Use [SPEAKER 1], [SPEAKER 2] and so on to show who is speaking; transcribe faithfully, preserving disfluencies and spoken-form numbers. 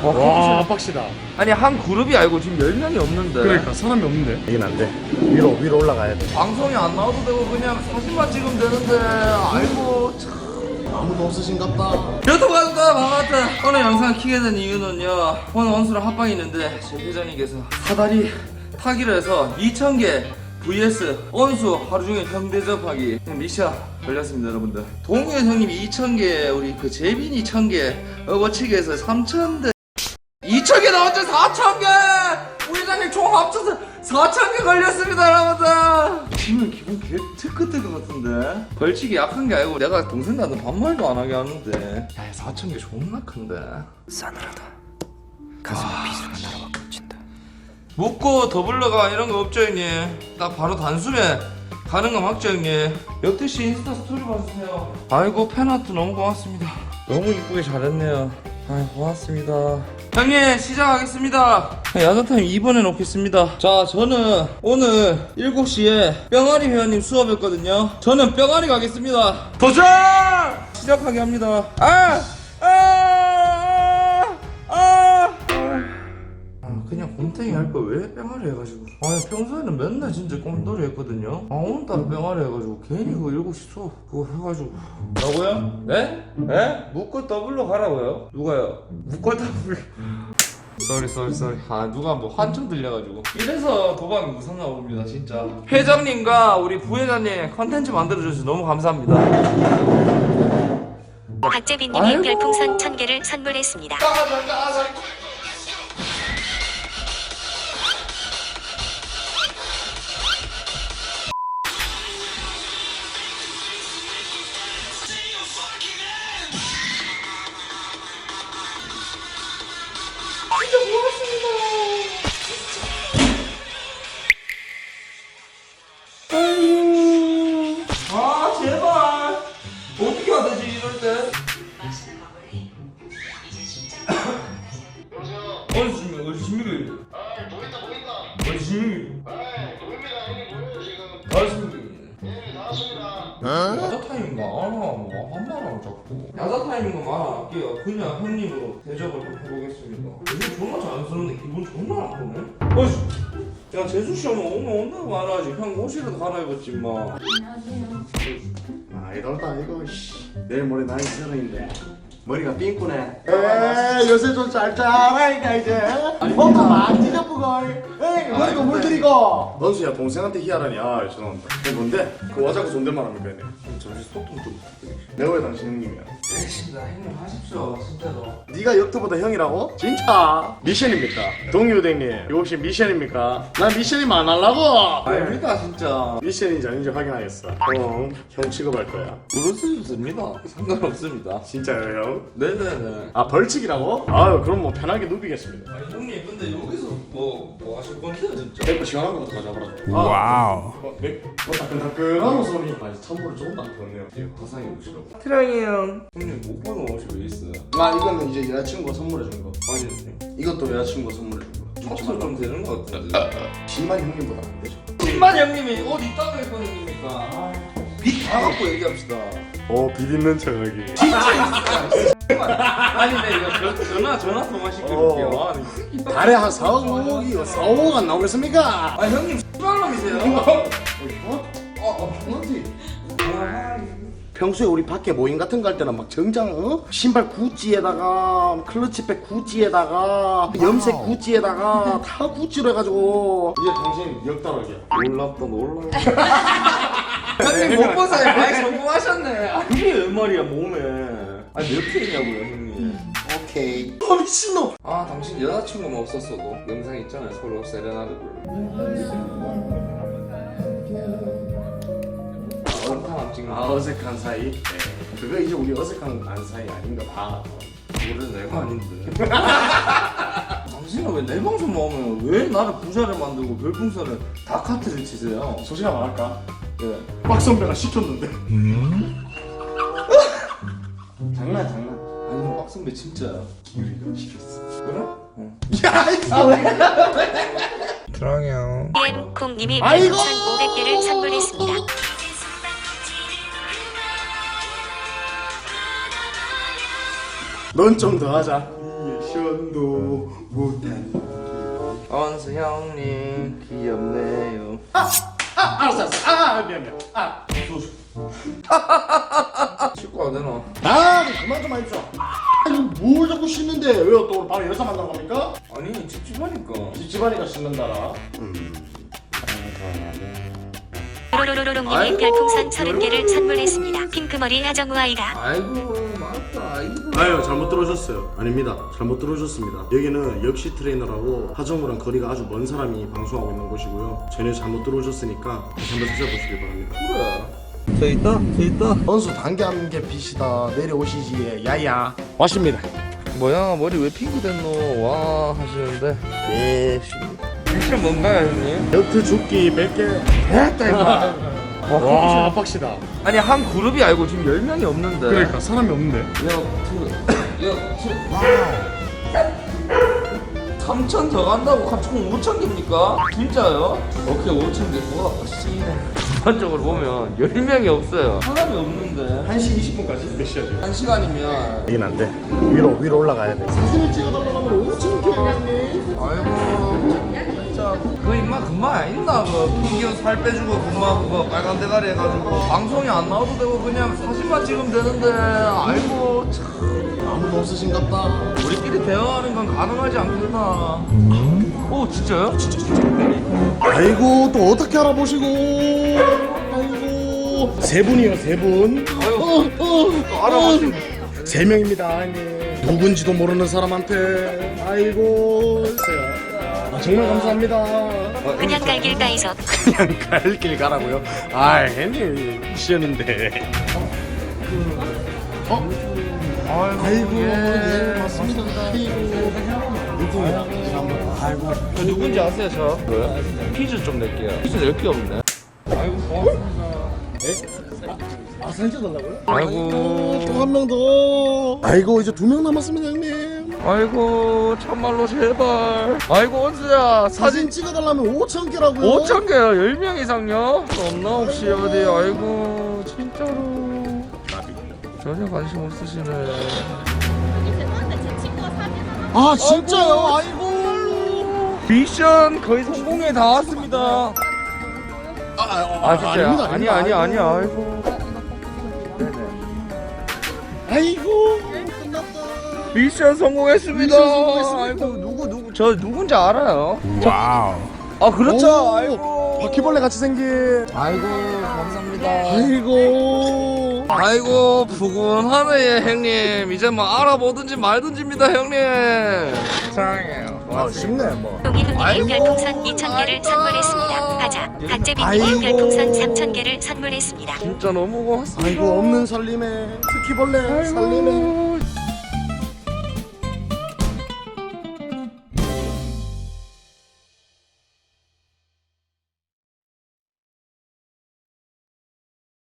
[SPEAKER 1] 와 빡시다.
[SPEAKER 2] 아니 한 그룹이 아니고 지금 열 명이 없는데.
[SPEAKER 1] 그러니까 사람이 없는데. 이긴 안 돼. 위로 위로 올라가야 돼.
[SPEAKER 2] 방송이 안 나와도 되고 그냥 사진만 찍으면 되는데. 아이고 참.
[SPEAKER 1] 아무도 없으신갑다.
[SPEAKER 2] 유튜브 가족들 반갑다. 오늘 영상을 키게 된 이유는요, 오늘 원수랑 합방이 있는데 제 회장님께서 사다리 타기로 해서 이천 개 브이에스 원수 하루 종일 형 대접하기 미션 걸렸습니다. 여러분들 동현 형님이 이천 개, 우리 그 재빈이 천 개, 어거치기에서 삼천 대 이천 개 나왔죠. 사천 개 우리 회장님 총 합쳐서 사천 개 걸렸습니다. 여러분들 지금 기분 개 특급 될 것 같은데. 벌칙이 약한 게 아니고 내가 동생한테 반말도 안 하게 하는데, 야 사천 개 존나 큰데. 싸늘하다. 가슴에 아... 비수가 날아와 꽂힌다. 묻고 더블러가 이런 거 없죠 형님? 딱 바로 단숨에 가는 거 맞죠 형님? 역대씨 인스타 스토리 봐주세요. 아이고 팬아트 너무 고맙습니다. 너무 이쁘게 잘했네요. 아이 고맙습니다. 형님 시작하겠습니다. 야자타임 이 번 해놓겠습니다. 자 저는 오늘 일곱 시에 뿅아리 회원님 수업했거든요. 저는 뿅아리 가겠습니다. 도전! 시작하게 합니다. 아! 아! 아! 아! 아 그냥 곰탱이 할 거 왜 뿅아리 해가지고. 아니 평소에는 맨날 진짜 꼼돌이 했거든요. 아 오늘따라 뿅아리 해가지고 괜히 그거 일곱 시 수업 그거 해가지고. 뭐라고요? 네? 네? 묶고 더블로 가라고요? 누가요? 묶고 더블로. 쏘리 쏘리 쏘리. 아 누가 뭐 환청 들려가지고. 이래서 도박이 무섭나 봅니다 진짜. 회장님과 우리 부회장님 컨텐츠 만들어주셔서 너무 감사합니다.
[SPEAKER 3] 박재빈님이 별풍선 천 개를 선물했습니다.
[SPEAKER 2] 까자 까자. 진짜 고맙습니다. 아유. 아 제발. 어떻게 해야 되지 이럴 때? 어디 지금 어디 지금?
[SPEAKER 4] 아 보인다 보인다.
[SPEAKER 2] 어디 지금?
[SPEAKER 4] 아 보입니다 형님 보여요 지금.
[SPEAKER 2] 알겠습니다.
[SPEAKER 4] 네 나왔습니다.
[SPEAKER 2] 야자 타임인가? 아, 뭐 한말하고 자꾸. 야자 타임인 거 말할게요. 그냥 형님으로 대접을 좀 해보겠습니다. 요즘 존나 잘 쓰는데 기분 존나 나쁘네. 어이, 야 재수 씨 오면 오면 온다고 말하지. 형 옷이라도 갈아입었지 마.
[SPEAKER 1] 아 이럴다 이거 씨. 내일 모레 나이 서른인데 머리가 삥꾸네. 에이 요새 좀 짤짤하니까 이제 뭔가 막 찢어보걸. 에이 머리가 물들이고. 넌수야 동생한테 희하라니. 아 죄송합니다. 그게 뭔데? 그 와자고 존댓말 합니까 얘네? 잠시 소통 좀 부탁드립니다. 내가 왜 당신 형님이야?
[SPEAKER 2] 알겠습니다. 형님 하십시오 진짜로.
[SPEAKER 1] 네가 역도보다 형이라고? 진짜? 미션입니까? 동유대님 이거 혹시 미션입니까? 난 미션이면 안 하려고.
[SPEAKER 2] 아닙니다 진짜.
[SPEAKER 1] 미션인지 아닌지 확인하겠어. 형, 형 취급할 거야.
[SPEAKER 2] 그렇습니다. 상관없습니다.
[SPEAKER 1] 진짜요 형?
[SPEAKER 2] 네네네.
[SPEAKER 1] 아 벌칙이라고? 아유 그럼 뭐 편하게 누비겠습니다.
[SPEAKER 2] 아니 형님 근데 여기서 뭐, 뭐 하실 건데요 진짜?
[SPEAKER 1] 맥주 시원한 거부터 가져와라. 와우. 어, 맥, 어, 따끈따끈한 소리. 아 찬물을 조금 안 부었네요. 이거 화상이 오시라고.
[SPEAKER 2] 트랑이 형. 형님 못 보는 옷이 왜 있어요?
[SPEAKER 1] 아 이거는 이제 여자친구가 선물해 준 거.
[SPEAKER 2] 아니 형님.
[SPEAKER 1] 이것도 여자친구가 선물해 준 거.
[SPEAKER 2] 합쳐 좀 되는 것 같은데.
[SPEAKER 1] 십만 형님보다 안 되죠.
[SPEAKER 2] 십만 형님이 옷 있다고 입고 형님이니까 빚다 갖고 얘기합시다.
[SPEAKER 1] 어, 빚 있는 척하기.
[SPEAKER 2] 아니 네 이거 저, 전화 전화 통화 시켜줄게요.
[SPEAKER 1] 어.
[SPEAKER 2] 아, 이 새끼.
[SPEAKER 1] 달에 한 사억이요. 사억억 안 나오겠습니까?
[SPEAKER 2] 아 형님 X발놈이세요?
[SPEAKER 1] 어? 어? 어? 어디? 평소에 우리 밖에 모임 같은 거 할 때는 막 정장 어? 신발 구찌에다가 클러치백 구찌에다가 염색 구찌에다가 다 구찌로 해가지고 이제 당신 역다락이야.
[SPEAKER 2] 놀랍다 놀라. 형님 못 본 사이 많이 성공하셨네. 아, 그게 웬 말이야 몸에. 아니 몇 개냐고요 형님.
[SPEAKER 1] 오케이. 아 미친놈.
[SPEAKER 2] 아 당신 여자친구만 없었어도 영상 있잖아요 서로 세레나드 부르고. 어색한 찍는
[SPEAKER 1] 아 어색한 사이? 네. 그거 이제 우리 어색한 안 사이 아닌가 봐.
[SPEAKER 2] 그래 내가 아닌데. 당신은 왜 내 방송 나오면 왜 나를 부자를 만들고 별풍선을 다 카트를 치세요?
[SPEAKER 1] 솔직히 말할까?
[SPEAKER 2] 예.
[SPEAKER 1] 박 선배가 시켰는데. 음? 장난 장난.
[SPEAKER 2] 아니 형 빡선배 진짜야.
[SPEAKER 1] 기우리가 시켰어.
[SPEAKER 2] 그래? 응.
[SPEAKER 1] 야 이
[SPEAKER 2] 트랑이 형.
[SPEAKER 3] 엠콩님이
[SPEAKER 1] 아이고!
[SPEAKER 3] 별풍선 오백 개를 선물했습니다.
[SPEAKER 1] 넌 좀 더 하자. 이 시원. 상상도 못한
[SPEAKER 2] 원수 형님 귀엽네요.
[SPEAKER 1] 아 알았어 알았어 아 미안 미안 아
[SPEAKER 2] 씻고 안 되나?
[SPEAKER 1] 아, 그만 좀 하십시오. 아, 이거 뭘 자꾸 씻는데? 왜요? 또 오늘 바로 여자 만나러 갑니까?
[SPEAKER 2] 아니 찝찝하니까.
[SPEAKER 1] 집집안이가 씻는다라.
[SPEAKER 3] 로로로로롱님이
[SPEAKER 2] 아이고,
[SPEAKER 3] 별풍선 서른 개를 선물했습니다. 핑크머리 하정우 아이가.
[SPEAKER 2] 아이고 맞다. 아이고.
[SPEAKER 1] 아유, 잘못 들어오셨어요. 아닙니다. 잘못 들어오셨습니다. 여기는 역시 트레이너라고 하정우랑 거리가 아주 먼 사람이 방송하고 있는 곳이고요. 전혀 잘못 들어오셨으니까 다시 한번 찾아보시길 바랍니다.
[SPEAKER 2] 그래. 저 있다. 저 있다.
[SPEAKER 1] 원수 단계함께 빛이다. 내려오시지. 야야. 왔습니다.
[SPEAKER 2] 뭐야 머리 왜 핑크 됐노? 와 하시는데. 예. 미션 뭔가요 형님?
[SPEAKER 1] 여트 죽기 몇 개 됐다 임마. 와, 빡시다.
[SPEAKER 2] 아니 한 그룹이 알고 지금 열 명이 없는데.
[SPEAKER 1] 그러니까 사람이 없는데.
[SPEAKER 2] 여트 여트 삼천 더 간다고 총 오천 개입니까? 진짜요? 오케이 오천 개. 와 씨네. 전반적으로 보면 열 명이 없어요. 사람이 없는데.
[SPEAKER 1] 한 시 이십 분까지? 몇 시야 지금?
[SPEAKER 2] 한 시간이면.
[SPEAKER 1] 이긴 안 돼. 위로 위로 올라가야 돼. 사진을 찍어달라고 하면 오천 개 하겠니?
[SPEAKER 2] 아이고 진짜 그 임마 그만 있나 그 핑계로 살 빼주고 그만 그거 빨간 대가리 해가지고 방송이 안 나와도 되고 그냥 사진만 찍으면 되는데 아이고 참
[SPEAKER 1] 아무도 없으신갑다.
[SPEAKER 2] 우리끼리 대화하는 건 가능하지 않겠나. 오 진짜요? 진짜
[SPEAKER 1] 아이고 또 어떻게 알아보시고? 아이고 세 분이요 세 분.
[SPEAKER 2] 아유
[SPEAKER 1] 어,
[SPEAKER 2] 알아보신
[SPEAKER 1] 세 명입니다. 아니 누군지도 모르는 사람한테. 아이고 글쎄요. 아, 정말 감사합니다.
[SPEAKER 3] 그냥 갈길가에서
[SPEAKER 1] 그냥 갈 길 가라고요? 아, 괜히 미션인데. 어? 아이고, 예, 맞습니다. 누구야? 아이고.
[SPEAKER 2] 저 누군지 아세요 저? 뭐요? 퀴즈 좀 낼게요. 퀴즈 낼 게 없네. 아이고 고맙습니다.
[SPEAKER 1] 아, 사진 찍어달라고요?
[SPEAKER 2] 아이고
[SPEAKER 1] 또 한 명 더. 아이고, 이제 두 명 남았습니다, 형님.
[SPEAKER 2] 아이고 참말로 제발. 아이고 원수야 사진
[SPEAKER 1] 사진 찍어달라면 오천 개라고요?
[SPEAKER 2] 오천 개요. 열 명 이상요? 없나 혹시 어디. 아이고 진짜로 전혀 관심 없으시네.
[SPEAKER 1] 아, 진짜요? 아이고.
[SPEAKER 2] 미션 거의 성공에 다 왔습니다.
[SPEAKER 1] 아, 아,
[SPEAKER 2] 아 진짜
[SPEAKER 1] 아닙니다,
[SPEAKER 2] 아니
[SPEAKER 1] 아닙니다.
[SPEAKER 2] 아니
[SPEAKER 1] 아이고.
[SPEAKER 2] 아니야. 아이고 네네.
[SPEAKER 1] 아이고. 끝났다.
[SPEAKER 2] 미션 성공했습니다.
[SPEAKER 1] 미션 성공했습니다.
[SPEAKER 2] 아이고 누구 누구 저 누군지 알아요?
[SPEAKER 1] 와우.
[SPEAKER 2] 아 그렇죠.
[SPEAKER 1] 오,
[SPEAKER 2] 아이고
[SPEAKER 1] 바퀴벌레 같이 생긴.
[SPEAKER 2] 아이고 감사합니다.
[SPEAKER 1] 아이고.
[SPEAKER 2] 아이고 부근하네 형님. 이제 뭐 알아보든지 말든지입니다 형님. 사랑해요.
[SPEAKER 1] 아, 쉽네 뭐.
[SPEAKER 3] 동희훈님이
[SPEAKER 2] 아이고,
[SPEAKER 3] 별풍선 이천 개를
[SPEAKER 2] 아이고.
[SPEAKER 3] 선물했습니다. 가자.
[SPEAKER 1] 아이고.
[SPEAKER 3] 박재빈님이 별풍선 삼천 개를 선물했습니다.
[SPEAKER 2] 진짜 너무 고맙습니다.
[SPEAKER 1] 아이고 없는 살림에 스키벌레 살림에.
[SPEAKER 2] 아이고